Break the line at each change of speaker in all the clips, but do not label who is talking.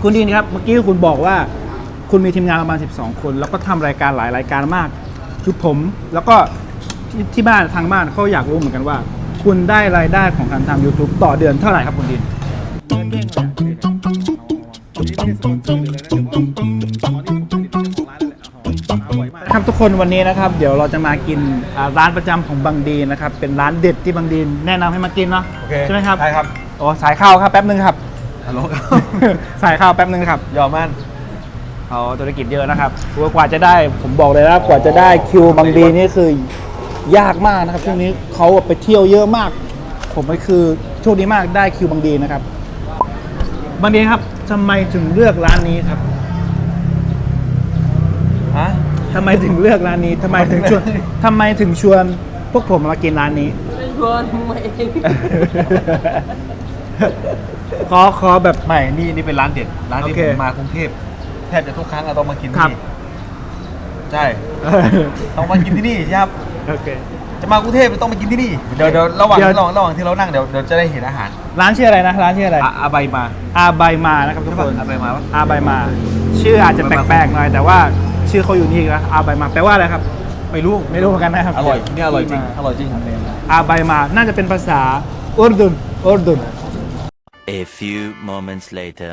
คุณดีนครับเมื่อกี้คุณบอกว่าคุณมีทีมงานประมาณ12 คนแล้วก็ทำรายการหลายรายการมากคือผมแล้วก็ที่บ้านทางบ้านเขาอยากรู้เหมือนกันว่า คุณได้รายได้ของการทำ YouTube ต่อเดือนเท่าไหร่ครับคุณดีนครับทุกคนวันนี้นะครับเดี๋ยวเราจะมากินร้านประจำของบังดีนะครับเป็นร้านเด็ดที่บังดีนแนะนำให้มากินเนาะใช่ไหมครับใช่ครับโอ้สายข้าวครับแป๊บนึงครับฮัลโหลสายข้าวแป๊บนึงครับยอมมั่นเขาธุรกิจเยอะนะครับกว่าจะได้ผมบอกเลยนะกว่าจะได้คิวบังดีนี่คือยากมากนะครับช่วงนี้เขาไปเที่ยวเยอะมากผมก็คือโชคดีมากได้คิวบังดีนะครับบังดีครับทำไมถึงเลือกร้านนี้ครับฮะทำไมถึงเลือกร้านนี้ทำไมถึงชวนพวกผมมากินร้านนี้ชวนมาเองขอแบบ
ไม่นี่เป็นร้านเด็ดร้านที่ผมมากรุงเทพแทบจะทุกครั้งเราต้องมากินที่นี่ใช่ต้องมากินที่นี่ครับโอเคจะมากรุงเทพต้องมากินที่นี่เดี๋ยวระหว่างที่เรานั่งเดี๋ยวจะได้เห็นอาหาร
ร้านชื่ออะไรนะร้านชื่ออะไร
อาใบมา
นะครับทุกคน
อาใบมา
อาใบมาชื่ออาจจะแปลกๆหน่อยแต่ว่าชื่อเขาอยู่นี่นะอาใบมาแปลว่าอะไรครับไม่รู้เหมือนกันนะครับ
อร่อยนี่อร่อยจริง
อาใบมาน่าจะเป็นภาษาอุรดุน
A few moments later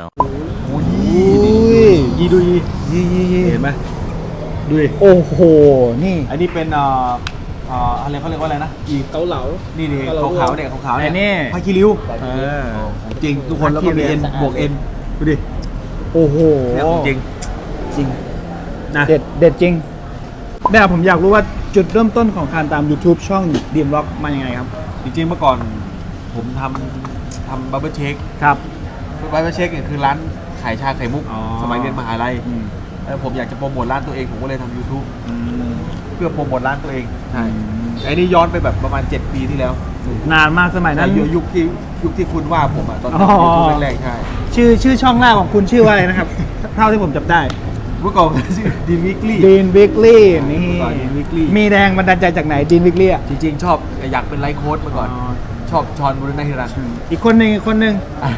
ดูเห็นไหมดูดิ
โอ้โหนี่
อันนี้เป็นอะไรเขาเรียกว่าอะไรนะ
เกาเหลา
นี่ขาวๆเนี่ยผ้าคีริ้วจริงทุกคนแล้วก็มีเอ็นบวกเอ็นดูดิ
โอ้โห
จริง
นะเด็ดจริงเนี่ยผมอยากรู้ว่าจุดเริ่มต้นของการตาม YouTube ช่องดีมล็อกมายังไงครับ
จริงๆเมื่อก่อนผมทำบับเบิ้ลเชค
ครับ
บับเบิ้ลเชคเนี่ยคือร้านขายชาไข่มุกสมัยเรียนมหาลัยแล้วผมอยากจะโปรโมทร้านตัวเองผมก็เลยทำ YouTube เพื่อโปรโมทร้านตัวเองใช่ไอ้นี่ย้อนไปแบบประมาณ7 ปีที่แล้ว
นานมากสมัยนั้น
ยุคที่คุณว่าผมอ่ะตอนยูทูบแรกๆใช่
ชื่อช่องแรกของคุณชื่อว่าอะไรนะครับ เท่าที่ผมจำได้
เมื่อก่อนชื่อดีนวิกลี่
นี่มีแรงบันดาลใจจากไหนดีนวิกลี่อ่ะ
จริงๆชอบอยากเป็นไลฟ์โค้ชเมื่อก่อนชอบชอนบุรณะฮิรัน
อีกคนหนึ่งอีกคนหนึ่ง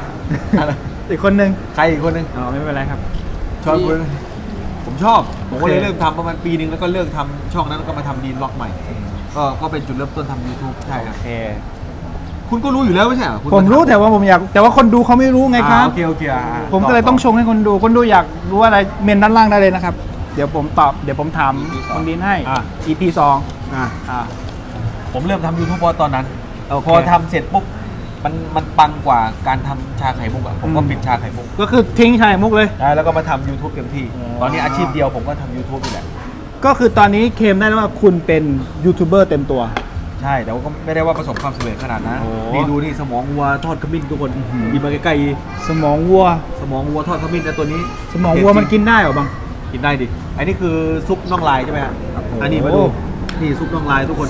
ใครอีกคนหนึ่ง
ไม่เป็นไรครับ
ชอนบุรณะผมชอบผมก็เลยเริ่มทำประมาณปีนึงแล้วก็เลิกทำช่องนั้นแล้วก็มาทำดีนล็อกใหม่ก็เป็นจุดเริ่มต้นทำ YouTube ใช่ครับคุณก็รู้อยู่แล้วไม่ใช่เหรอ
ผมรู้แต่ว่าผมอยากแต่ว่าคนดูเขาไม่รู้ไงครับ
โอเค
ผมก็เลยต้องชงให้คนดูอยากรู้อะไรเมนด้านล่างได้เลยนะครับเดี๋ยวผมถามคนดีนให้ EP 2
ผมเริ่มทำ YouTube ตอนนั้นพอทำเสร็จปุ๊บมันปังกว่าการทำชาไข่มุกผมก็ปิดชาไข่มุก
ก็คือทิ้งชาไข่มุกเลย
แล้วก็มาทำ YouTube เต็มที่ตอนนี้อาชีพเดียวผมก็ทำ YouTube นี่แหละ
ก็คือตอนนี้เคลมได้แล้วว่าคุณเป็นยูทูบเบอร์เต็มตัว
ใช่แต่ว่าก็ไม่ได้ว่าประสบความสำเร็จขนาดนั้นนี่ดูนี่สมองวัวทอดขมิ้นทุกคนมีมาใกล้
ๆสมองวัว
ทอดขมิ้นแต่ตัวนี้
สมองวัวมันกินได้หรอบัง
กินได้ดิอันนี้คือซุปน่องลายใช่ไหมครับอันนี้มาดูนี่ซุปน่องลายทุกคน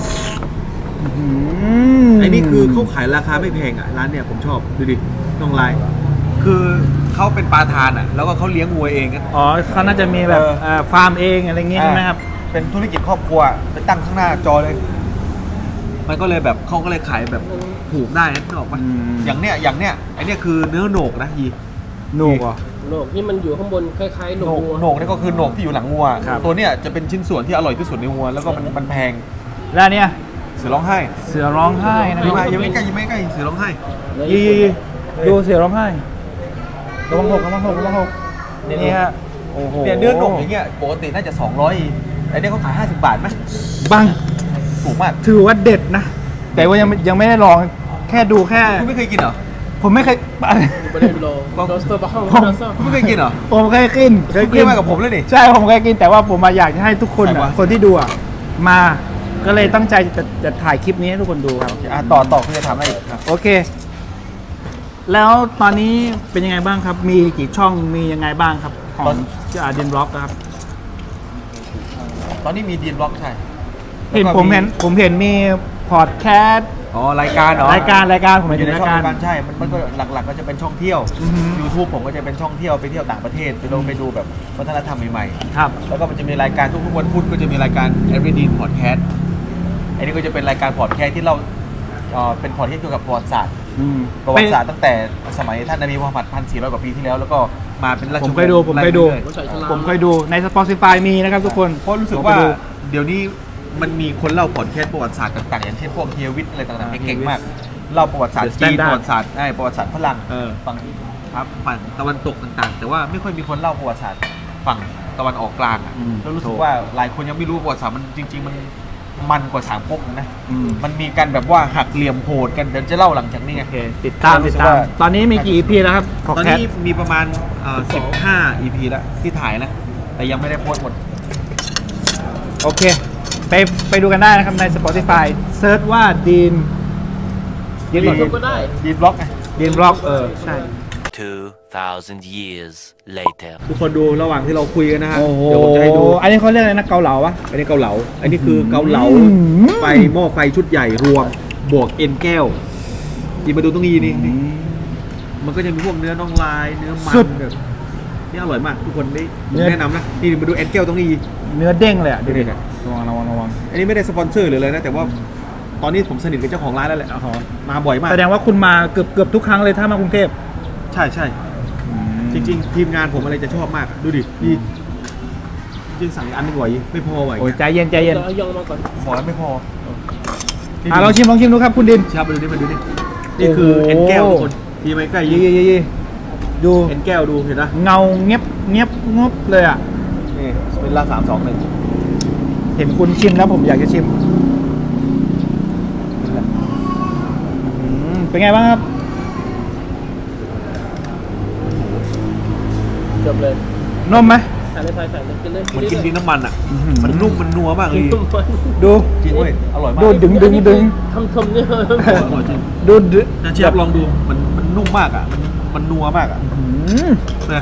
อันนี้คือเขาขายราคาไม่แพงอ่ะร้านเนี่ยผมชอบดูดิน่องลายคือเขาเป็นปลาทานอ่ะแล้วก็เขาเลี้ยงวัวเอง
เขาน่าจะมีแบบฟาร์มเองอะไรเงี้ยใช่ไหมครับ
เป็นธุรกิจครอบครัวไปตั้งข้างหน้าจอเลยมันก็เลยแบบเขาก็เลยขายแบบถูกได้นึกออกปะอย่างเนี้ยไอเนี้ยคือเนื้อโหนกนะ
โหนก
โหนกนี่มันอยู่ข้างบนคล้ายๆโหนก
โหนกนี่ก็คือโหนกที่อยู่หลังวัวตัวเนี้ยจะเป็นชิ้นส่วนที่อร่อยที่สุดในวัวแล้วก็มันแพง
แล้วเนี่ย
เสือร้องไห้
นะ
ยังไม่ใกล้เสือร้องไห้
ดูเสือร้องไห้ระวังหกนี่ฮะ
โอ้โหเนี่ยเนื้อโหนกอย่างเงี้ยปกติน่าจะ200แต่เนี่ยเขาขาย50 บาทไหม
บัง
ถูกมาก
ถือว่าเด็ดนะแต่ว่ายังไม่ได้ลองแค่ดูแค่
คุณไม่เคยกินเหรอ
ผมไม่เคย
ไม่ได้ลอง
คุณไม่เคยกินเหรอ
ผมเคยกิน
มากับผมเลยดิ
ใช่ผมเคยกินแต่ว่าผมมาอยากให้ทุกคนคนที่ดูมาก็เลยตั้งใจจะถ่ายคลิปนี้ให้ทุกคนดูครับ
ต่อคุณจะทำอะไรอีกครับ
โอเคแล้วตอนนี้เป็นยังไงบ้างครับมีกี่ช่องมียังไงบ้างครับของดีนบล็อกครับ
ตอนนี้มีดีนบล็อกใช่
ผมเห็นมีพอดแคสต์
รายการ
รายการผม
อยู่ในช่องรายการใช่มันก็หลักๆก็จะเป็นช่องเที่ยว YouTube ผมก็จะเป็นช่องเที่ยวไปเที่ยวต่างประเทศไปดูแบบวัฒนธรรมใหม่
ๆครับ
แล้วก็มันจะมีรายการทุกวันพุธก็จะมีรายการ Everyday Podcast อันนี้ก็จะเป็นรายการพอดแคสต์ที่เราเป็นพอดแคสต์เกี่ยวกับประวัติศาสตร์
อืม
ประวัติศาสตร์ตั้งแต่สมัยท่านนบีมูฮัมหมัด1,400 กว่าปีที่แล้วก็มาเป็นราชวงศ์
ผมเคยดู
ไล่เรื่อย
หัวใจฉลาม
ผมเคยดูใน Spotify มีนะครับทุกคน
เพราะรู้สึกว่าเดี๋ยวนี้มันมีคนเล่าพอดแคสต์ประวัติศาสตร์ต่างๆอย่างเช่นพวกเฮียวิทย์อะไรต่างๆเก่งๆมากเล่าประวัติศาสตร์
The
จีน
Standard
ประวัติศาสตร์ประวัติศาสตร์ฝรั่ง ฝั่งครับฝั่งตะวันตกต่างๆ แต่ว่าไม่ค่อยมีคนเล่าประวัติศาสตร์ฝั่งตะวันออกกลางอ่ะ
อืม
แล้วรู้สึกว่าหลายคนยังไม่รู้ประวัติศาสตร์มันจริงๆมันกว่าสามก๊กนะ
อืม
มันมีการแบบว่าหักเหลี่ยมโหดกันเดี๋ยวจะเล่าหลังจากนี้ไง
โอเคติดตาม
รู้
ติด
สึก
ตาม
ว่า
ตอนนี้มีกี่ EP แล้วครับของ
ตอน
แคท
นี้มีประมาณ15 EP แล้วที่ถ่ายนะ แต่ยังไม่ได้โพสต์หมด
โอเค ไปดูกันได้นะครับใน Spotify เซิร์ชว่าดีน
ยูทูบก็ได้
ดีบล็อกไง
ดีนบล็อกใช่
2,000 years later.
ทุกคนดูระหว่างที่เราคุยกันนะฮะ
โอ้โห
เดี๋ยวผมจะให้ดู
อันนี้เขาเรียกอะไรนะเกาเหลาปะ
อันนี้เกาเหลา อันนี้คือเกาเหลา
อืม
ไฟหม้อไฟชุดใหญ่รวมบวกเอ็นแก้วหยิบมาดูตรงนี้นี่มันก็จะมีพวกเนื้อน่องลาย เนื้อมันแบบนี่อร่อยมาก ทุกคนได้ผมแนะนำนะ นี่มาดูเอ็นแก้วตรงนี้
เนื้อเด้งเลยอ่ะดูดิ
นี่
ระวัง
อันนี้ไม่ได้สปอนเซอร์หรืออะไรนะ แต่ว่าตอนนี้ผมสนิทกับเจ้าของร้านแล้วแหละมาบ่อยมาก
แสดงว่าคุณมาเกือบทุกครั้งเลยถ้ามากรุงเทพ
ใช่ใช่จริงๆ ทีมงานผมอะไรจะชอบมากอะดูดินี่จริงๆสั่งอีกอันหนึงไหวไม่พอไหว
โอ้ยใจเย็นใจเย็น
เดี๋ยวเอายองมาก่อน
ขอแล้วไม่พอ
ลองชิมดูครับคุณดิน
ชามาดูนี่มาดูนี่นี่คือ
โอ้โห
เอ็นแก้วทุกคนทีไหมใกล้
ยี่
ยี่
ดู
เอ็นแก้วดูเห็นนะ
เงาเงียบงบเลยอ่ะ
นี่เป็นละ3 2 1
เห็นคุณชิมแล้วผมอยากจะชิมเป็นไงบ้างครับ
จบเลย
นมไหม
ใส่เลยใส่เลยกินเลย
มันกินดินน้ำมันอ่ะ
อื้อหือ
มันนุ่มมันนัวมากเลย
กินมัน
ดู
จริงเว้ยอร่อยมาก
ดูดึง
ทำเนี่ย
อร่อยจริง
ดู
นะเชฟลองดูมันนุ่มมากอ่ะมันนัวมากอ่ะ
อืม
นะ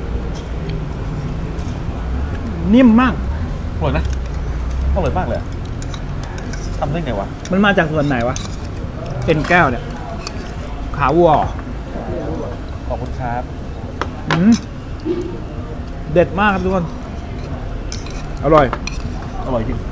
นิ่มมาก
อร่อยนะอร่อยมากเลยอะทำได้ไงวะ
มันมาจากส่วนไหนวะเอ็นแก้วเนี่ย ขาวัวเหรอ
ขอบคุณครับ
อืมเด็ดมากครับทุกคน อร่อย
อร่อยจริง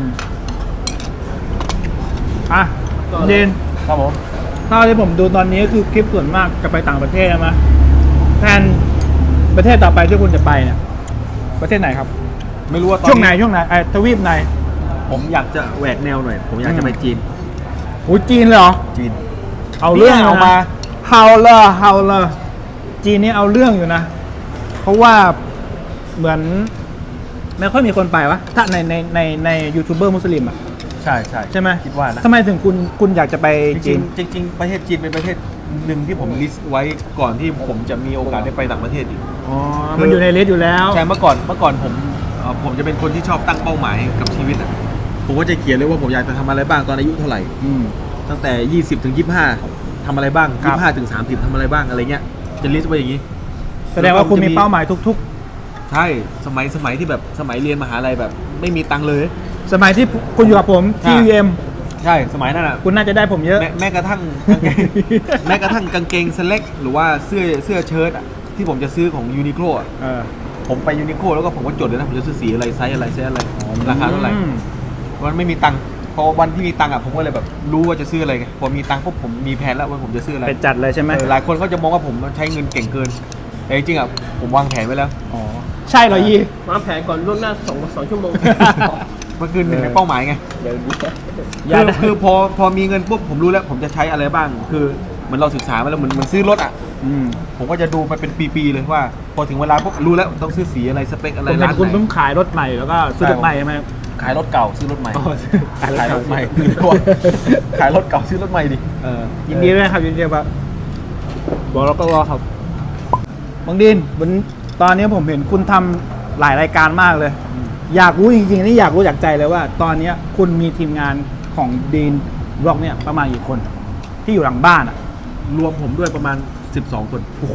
อ่ะเดน
ครับผม
ถ้าที่ผมดูตอนนี้ก็คือคลิปส่วนมากจะไปต่างประเทศใช่ไหมแทนประเทศต่อไปที่คุณจะไปเนี่ย ประเทศไหนครับ
ไม่รู้ว่าตอน
ช่วงไหนทวีปไหน
ผมอยากจะแหวกแนวหน่อย ผมอยากจะไปจีน
โอ้ยจีนเลยเหรอ
จีน
เอาเรื่อง
นี่
เอา
เอา
มา
มา
เฮาเลอจีนนี่เอาเรื่องอยู่นะ เพราะว่าเหมือนไม่ค่อยมีคนไปวะถ้าในยูทูบเบอร์มุสลิมอ่ะ
ใช่ใช่
ใช่ไหม
คิดว่านะ
ทำไมถึงคุณอยากจะไป
จ
จี
ริ
น
งๆจริงๆประเทศจีนเป็นประเทศหนึ่งที่ผมลิสต์ไว้ก่อนที่ผมจะมีโอกาสได้ไปต่างประเทศอีก
อ๋อ มันอยู่ในลิสต์อยู่แล้ว
ใช่เมื่อก่อนผมจะเป็นคนที่ชอบตั้งเป้าหมายกับชีวิตอ่ะผมก็จะเขียนเลยว่าผมอยากจะทำอะไรบ้างตอนอายุเท่าไหร่
อืม
ตั้งแต่20ถึง25ทำอะไรบ้าง
ครับ
25ถึง30ทำอะไรบ้างอะไรเงี้ยจะลิสต์ไว้อย่างนี้
แสดงว่าคุณมีเป้าหมายทุก
ใช่สมัยที่แบบสมัยเรียนมหาลัยแบบไม่มีตังค์เลย
ๆ สมัยที่คุณอยู่กับผมที่
ใช่
UM
ใช่สมัยนั้นอ่ะ
คุณน่าจะได้ผมเยอะ
แม้กระทั่งกางเกง แม้กระทั่งกางเกงสเล็กหรือว่าเสื้อเชิ้ตอ่ะที่ผมจะซื้อของยูนิโคลอ่ะ
เออ
ผมไปยูนิโคลแล้วก็ผมก็จดเลยนะผมจะซื้อสีอะไรไซส์อะไรราคาเท่าไหร่
อืม
มันไม่มีตังค์พอวันที่มีตังค์อ่ะผมก็เลยแบบรู้ว่าจะซื้ออะไรไงพอมีตังค์ปุ๊บผมมีแผนแล้วว่าผมจะซื้ออะไร
ไปจัดเลยใช่ไหม
หลายคนก็จะมองว่าผมใช้เงินเก่งเกินแต่จริงๆอ่ะผมวางแผนไว้แล้ว
อ๋อ ใช่เหรอยี่
วางแผนก่อนล่วงหน้า2 ชั่วโมง
มันคือหนึ่งในเป้าหมายไง
เดี๋ยวนี้
อย่าได้
คือพอมีเงินปุ๊บผมรู้แล้วผมจะใช้อะไรบ้าง คือเหมือนเราศึกษามาแล้วเหมือนซื้อรถอ่ะ
อืม
ผมก็จะดูมาเป็นปีๆเลยว่า พอถึงเวลาปุ๊บรู้แล้วต้องซื้อสีอะไรสเปคอะไร
ผมเห็
ร้าน น
คุณ
ไหน
เพิ่งขายรถใหม่แล้วก็ซื้อรถใหม่ใช่ไหม
ขายรถเก่าซื้อรถใหม่
อ๋อ
ขายรถใหม่คือว่าขายรถเก่าซื้อรถใหม่ดิ
ยินดีด้วยครับยินดีครับบอกแล้วก็รอครับบางดินตอนนี้ผมเห็นคุณทำหลายรายการมากเลย อยากรู้จริงๆนี่อยากรู้จากใจเลยว่า ตอนนี้คุณมีทีมงานของดีนบล็อกเนี่ยประมาณกี่คนที่อยู่หลังบ้านอ่ะ
รวมผมด้วยประมาณ12 คน
โอ้โห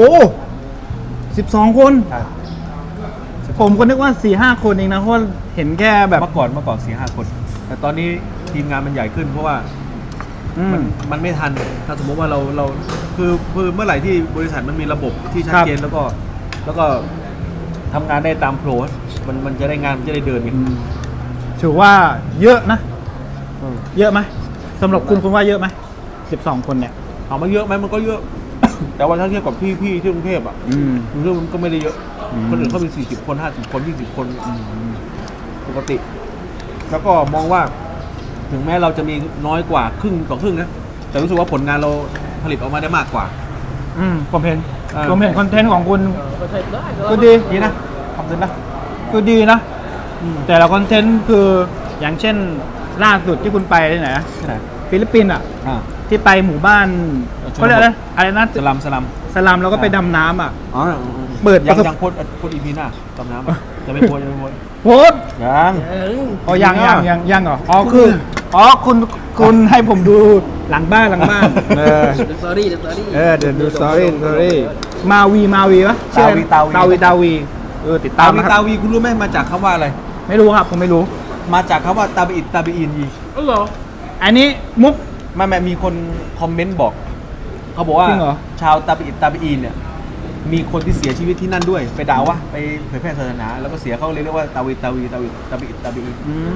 12 คน ผมก็นึกว่า 4-5 คนเองนะเพราะว่าเห็นแค่แบบ
เมื่อก่อน4-5 คน แต่ตอนนี้ทีมงานมันใหญ่ขึ้นเพราะว่า
อืม
มันไม่ทันถ้าสมมติว่าเราคือเมื่อไหร่ที่บริษัทมันมีระบบที่ชัด
ครับ
เจนแล้วก็ทำงานได้ตามโปรมันจะได้งานมันจะได้เดินไง
ถือว่าเยอะนะ เยอะไหมสำหรับคุณว่าเยอะไหม12 คนเนี่ย
ถามว่าเยอะไหมมันก็เยอะ แต่ว่าถ้าเทียบกับพี่ที่กรุงเทพอ่ะ
อืม
กรุงเทพมันก็ไม่ได้เยอะ
อืม
คนอื่นเขามี40 คน50 คน20 คนปกติ แล้วก็มองว่า ถึงแม้เราจะมีน้อยกว่าครึ่งต่อครึ่งนะแต่รู้สึกว่าผลงานเราผลิตออกมาได้มากกว่า
ผมเห็น
เออ
ผมเห็นคอนเทนต์ของคุณ
ก็ใช้ได้
ก็ดี
ดีนะทำได้นะ
คือดีนะ แต่ละคอนเทนต์คืออย่างเช่นล่าสุดที่คุณไปที่ไหนนะ
ที่ไหน
ฟิลิปปินส์อ่ะ
อ่า
ที่ไปหมู่บ้าน
ชนบท
เขาเรียกอะไรนะ
สลัม
สลัมแล้วก็ไปดำน้ำอ่ะ
อ๋อ
เปิด
ยัง
ประสบ
ยังโพสอีพีหน้าตำน้ำอะจะไม่โพสจะไม่โพส
โพสต์
ยัง
อ๋อยังเหรออ๋อคือคุณให้ผมดูหลังบ้านเออ
เดอะสตอรี่เดอะสตอรี่
เดี๋ยวดูสตอรี่มาวีปะชื่ออะไรตาวีติดตา
ตาม วี
นะครับ
ตาวีคุณรู้ไหมมาจากคำว่าอะไร
ไม่รู้ครับผมไม่รู้
มาจากคำว่าตาบีอิดตาบีอินยี
อ๋อเหรอ
อันนี้มุก
ไม่มีคนคอมเมนต์บอก เขาบอกว่า
จริงเหรอ
ชาวตาบีอิดตาบีอินเนี่ยมีคนที่เสียชีวิตที่นั่นด้วยไปด่าว่าไปเผยแพร่ศาสนาแล้วก็เสียเขาเรียกว่าตาบีอิดตาบีอิดตาบีอิน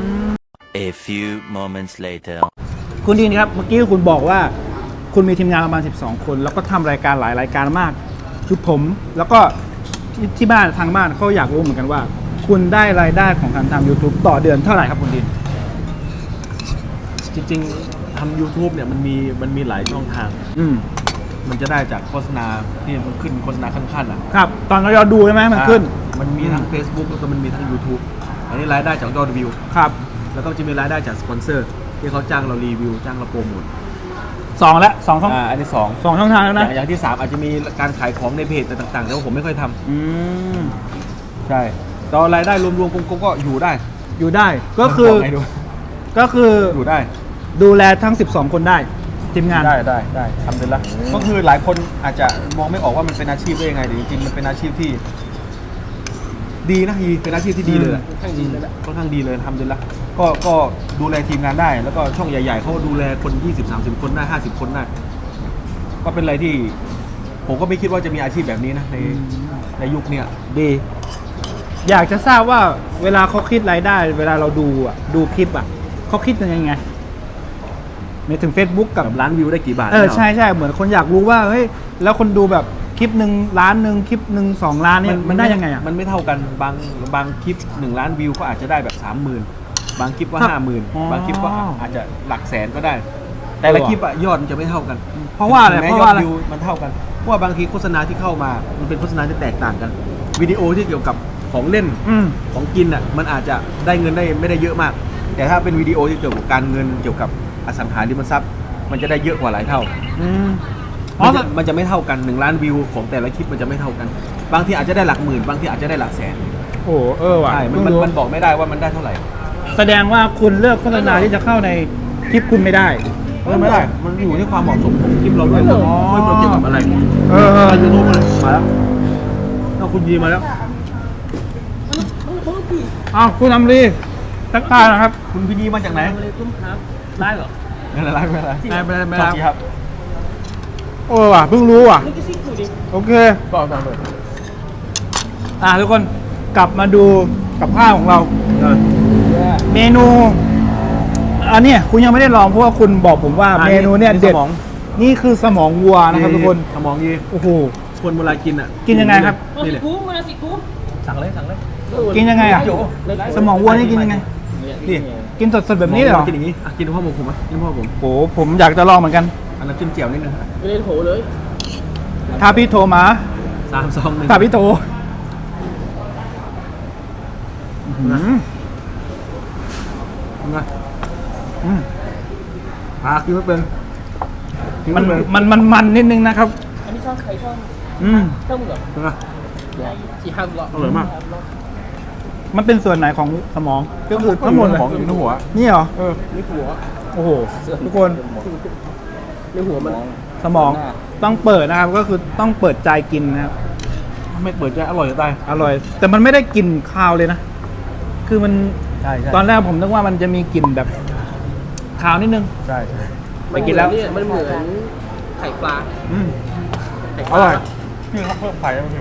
A few moments later.
คุณดีนครับเมื่อกี้คุณบอกว่า คุณมีทีมงานประมาณ12 คน แล้วก็ทำรายการหลายรายการมากคือผมแล้วก็ที่บ้านทางบ้านเขาอยากรู้เหมือนกันว่า คุณได้รายได้ของการทำ YouTube ต่อเดือนเท่าไหร่ครับคุณดิน
จริงๆทำ YouTube เนี่ยมันมีหลายช่องทาง มันจะได้จากโฆษณาที่มันขึ้นโฆษณาขั้นๆอ่ะ
ครับ ตอนเราดูใช่ไหมมันขึ้น
มันมีทั้ง Facebook แล้วก็มันมีทั้ง YouTube อันนี้รายได้จากยอดวิว
ครับ
แล้วก็จะมีรายได้จากสปอนเซอร์ที่เขาจ้างเรารีวิวจ้างเราโปรโมท
สองช่อง
อันที่สอง
ช่องทางแล้วนะ
อย่างที่ 3 อาจจะมีการขายของในเพจต่างๆแต่ว่าผมไม่ค่อยทำ
อืม
ใช่ตอนรายได้รวมๆก็อยู่ได้
อยู่ได้ก็คือ
บอกไงดู
ก็คือ
อยู่ได้
ดูแลทั้ง 12 คนได้ทีมงาน
ได้ทำเป็นละก็คือหลายคนอาจจะมองไม่ออกว่ามันเป็นอาชีพได้ยังไงแต่จริงๆมันเป็นอาชีพที่ ดีนะเป็นอาชีพที่ดีเลยแหละ
ค่อนข้างดีเลยแหละ
ค่อนข้างดีเลยทำเป็นละก็ดูแลทีมงานได้ แล้วก็ช่องใหญ่ๆเขาดูแลคน20-30 คนได้50 คนได้ก็เป็นอะไรที่ ผมก็ไม่คิดว่าจะมีอาชีพแบบนี้นะในยุคเนี้ย
ดี อยากจะทราบว่าเวลาเขาคิดรายได้ เวลาเราดูคลิปเขาคิดยังไงในถึง Facebook กับ
กับล้านวิวได้กี่บาท
ใช่เหมือนคนอยากรู้ว่าเฮ้ยแล้วคนดูแบบคลิปหนึ่งล้านหนึ่งคลิปหนึ่ง2 ล้านเนี่ยมันได้ยังไงอ่ะ
มันไม่เท่ากันบางคลิป1 ล้านวิวก็อาจจะได้แบบ 30,000 บางคลิปก็
ครับ
50,000 บางคลิปก็อาจจะหลักแสนก็ได้ แต่ละคลิปอะยอดมันจะไม่เท่ากัน
เพราะว่าอะไร
ถึงแม้
เพราะ
ยอ
ว่า
ด
อะไร
วิวมันเท่ากันเพราะว่าบางทีโฆษณาที่เข้ามามันเป็นโฆษณาที่แตกต่างกัน วิดีโอที่เกี่ยวกับของเล่น ของกินอ่ะมันอาจจะได้เงินได้ไม่ได้เยอะมาก แต่ถ้าเป็นวิดีโอที่เกี่ยวกับการเงินเกี่ยวกับอสังหาริมทรัพย์ มันจะได้เยอะกว่าหลายเท่า มันจะไม่เท่ากัน1 ล้านวิวของแต่ละคลิปมันจะไม่เท่ากัน บางทีอาจจะได้หลักหมื่นบางทีอาจจะได้หลักแสน
โอ้ว่ะ
ใช่มันบอกไม่ได้ว่ามันได้เท่าไหร่
แสดงว่าคุณเลือกโฆษณาที่จะเข้าในคลิปคุณไม่ได้
ไม่ได้ มันอยู่ที่ความเหมาะสมของคลิปเราด้วยว่าเราเกี่ยวกับอะไร ยูทูบมาแล้วเอาคุณยีมาแล้ว
อ้าวคุณอำรีทักทายนะครับ
คุณพี่ยีมาจากไหน
ทำอะไรคุ้มครับได้เหรอ
ไม่เป็นไรไม่เป็นไร
ไม่
ขอบคุณครับ
ว่ะเพิ่งรู้ว่ะ
นี่ก็ซิกดูดิ
โอเค
ต่อเลย
ทุกคนกลับมาดูกับข้าวของเรา เมนูอันเนี้ยคุณยังไม่ได้ลองเพราะว่าคุณบอกผมว่าเมนูเนี่ยเด็ด
สมอง
นี่คือสมองวัวนะครับทุกคน
สมองยี
โอ้โห
คนเวลากินอ่ะ
กินยังไงครับ
มา
นี่
สิ
เลย
กูมาสิกู
สั่งเลย
กินยังไงอ่ะ สมองวัวนี่กินยังไง
นี่
กินสดๆแบบนี้เลยเหรอ
กินอย่างนี้กินพ่อหมูผมอ่ะกินพ่อผม
โอ้โหผมอยากจะลองเหมือนกัน
อันนั้นจิ้มเจียวนิดนึง
ไม่ได้โถเลย
ถ้าพี่โทรมา
3 2 1
ถ้าพี่โทรอืม
ไง
อืม
กินไม่เป็น
มันนิดนึงนะครับ
อันนี้ชอบใครชอบ
อืม
ชอบมึงเหรอ
เป็นไง
สี่ห้ามหรอ
อร่อยมาก
มันเป็นส่วนไหนของสมองก็คือทั้งหมดเลย
ของอยู่ในหัว
นี่เหรอ
นี่หัว
โอ้โหทุกคน
ในหัวมัน
สมองต้องเปิดนะครับ ก็คือต้องเปิดใจกินนะครับ
ไม่เปิดใจอร่อยจะตาย
อร่อย แต่มันไม่ได้กลิ่นคาวเลยนะ คือมัน
ใช่
ตอนแรกผมนึกว่ามันจะมีกลิ่นแบบคาวนิดนึง
ใช่
ไปกินแล้ว
เนี่ยมันเหมือนไข่ปลา
อืม
ไข่ป
อ
ลา
ร่อย
พี่เขาเพิ่มไข่แล้วพี่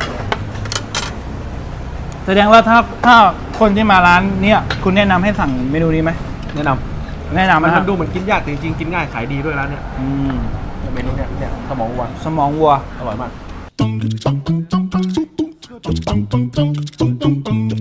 แสดงว่าถ้าคนที่มาร้านเนี้ยคุณแนะนำให้สั่งเมนูนี้ไหม
แนะน
แนะนำ
ำมัน
นะครับ
ดูเหมือนกินยากแต่จริงๆกินง่ายขายดีด้วยร้านเนี้ย
อืม
เมนูเนี่ยสมองวัว
สมองวัว
อร่อยมาก